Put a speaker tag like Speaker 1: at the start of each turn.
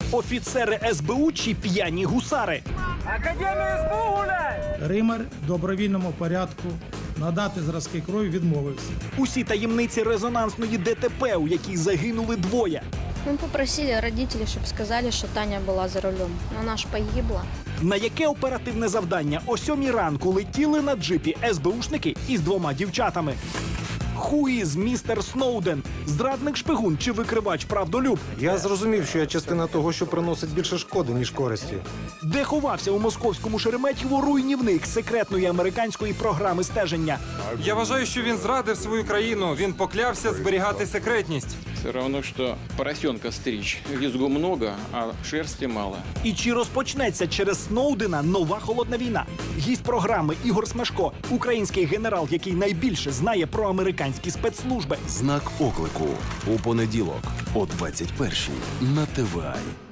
Speaker 1: Офіцери СБУ чи п'яні гусари?
Speaker 2: Академія СБУ гуляє!
Speaker 3: Римар в добровільному порядку надати зразки крові відмовився.
Speaker 1: Усі таємниці резонансної ДТП, у якій загинули двоє.
Speaker 4: Мы попросили родителей, чтобы сказали, что Таня была за рулем. Но она ж погибла.
Speaker 1: На яке оперативне завдання о 7 ранку летіли на джипі СБУшники із 2 дівчатами? Хуїз містер Сноуден? Зрадник шпигун чи викривач правдолюб?
Speaker 5: Я зрозумів, що я частина того, що приносить більше шкоди, ніж користі.
Speaker 1: Де ховався у московському Шереметьєво руйнівник секретної американської програми стеження?
Speaker 6: Я вважаю, що він зрадив свою країну. Він поклявся зберігати секретність.
Speaker 7: Все равно, что поросенка стричь. Визгу много, а шерсти мало.
Speaker 1: І чи розпочнеться через Сноудена нова холодна війна? Гість програми Ігор Смешко, український генерал, який найбільше знає про американські спецслужби.
Speaker 8: Знак оклику у понеділок о 21-й на ТВА.